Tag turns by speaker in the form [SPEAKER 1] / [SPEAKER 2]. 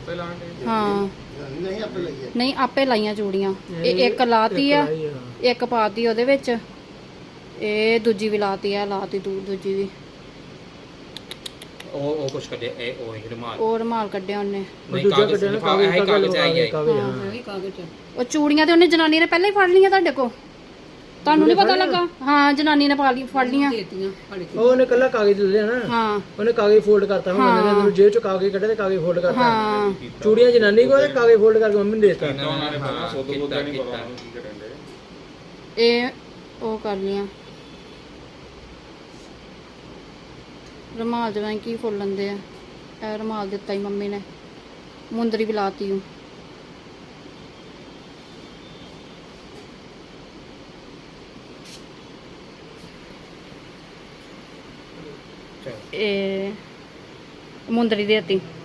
[SPEAKER 1] ਹਾਂ ਨਹੀਂ ਆਪੇ ਲਾਈਆਂ ਚੂੜੀਆਂ। ਇਹ ਇੱਕ ਲਾਤੀ ਆ, ਇੱਕ ਪਾਤੀ ਉਹਦੇ ਵਿੱਚ, ਇਹ ਦੂਜੀ ਵੀ ਲਾਤੀ ਆ, ਲਾਤੀ ਦੂਜੀ ਵੀ।
[SPEAKER 2] ਉਹ ਕੁਛ ਕੱਢਿਆ,
[SPEAKER 1] ਉਹ ਰੁਮਾਲ ਕੱਢਿਆ ਉਹਨੇ।
[SPEAKER 2] ਕਾਗਜ਼ ਆਈ
[SPEAKER 1] ਉਹ ਚੂੜੀਆਂ ਤੇ ਉਹਨੇ ਜਨਾਨੀ ਨੇ ਪਹਿਲਾਂ ਹੀ ਫੜ ਲਈਆਂ ਤੁਹਾਡੇ ਕੋ, ਤੁਹਾਨੂੰ ਨਹੀਂ ਪਤਾ ਲੱਗਾ? ਹਾਂ ਜਨਾਨੀ ਨੇ ਫੜ ਲੀਆਂ।
[SPEAKER 3] ਉਹਨੇ ਕੱਲਾ ਕਾਗਜ਼ ਲੈ ਲਿਆ ਨਾ।
[SPEAKER 1] ਹਾਂ
[SPEAKER 3] ਉਹਨੇ ਕਾਗਜ਼ ਫੋਲਡ ਕਰਤਾ, ਮੈਂ ਬੰਦੇ ਜੇਬ ਚੋਂ ਕਾਗਜ਼ ਕੱਢੇ ਤੇ ਕਾਗਜ਼ ਫੋਲਡ ਕਰਤਾ।
[SPEAKER 1] ਹਾਂ
[SPEAKER 3] ਚੂੜੀਆਂ ਜਨਾਨੀ ਕੋ ਤੇ ਕਾਗਜ਼ ਫੋਲਡ ਕਰਕੇ ਮੰਮੀ ਨੂੰ ਦੇ ਦਿੱਤਾ।
[SPEAKER 1] ਇਹ ਉਹ ਕਰ ਲੀਆਂ। ਰੁਮਾਲ ਜਿਵੇਂ ਕੀ ਫੁੱਲ ਲੈਂਦੇ ਆ। ਇਹ ਰੁਮਾਲ ਦਿੱਤਾ ਹੀ ਮੰਮੀ ਨੇ, ਮੁੰਦਰੀ ਵੀ ਲਾਤੀ। ਇਹ ਮੁੰਦਰੀ ਦੇਤੀ।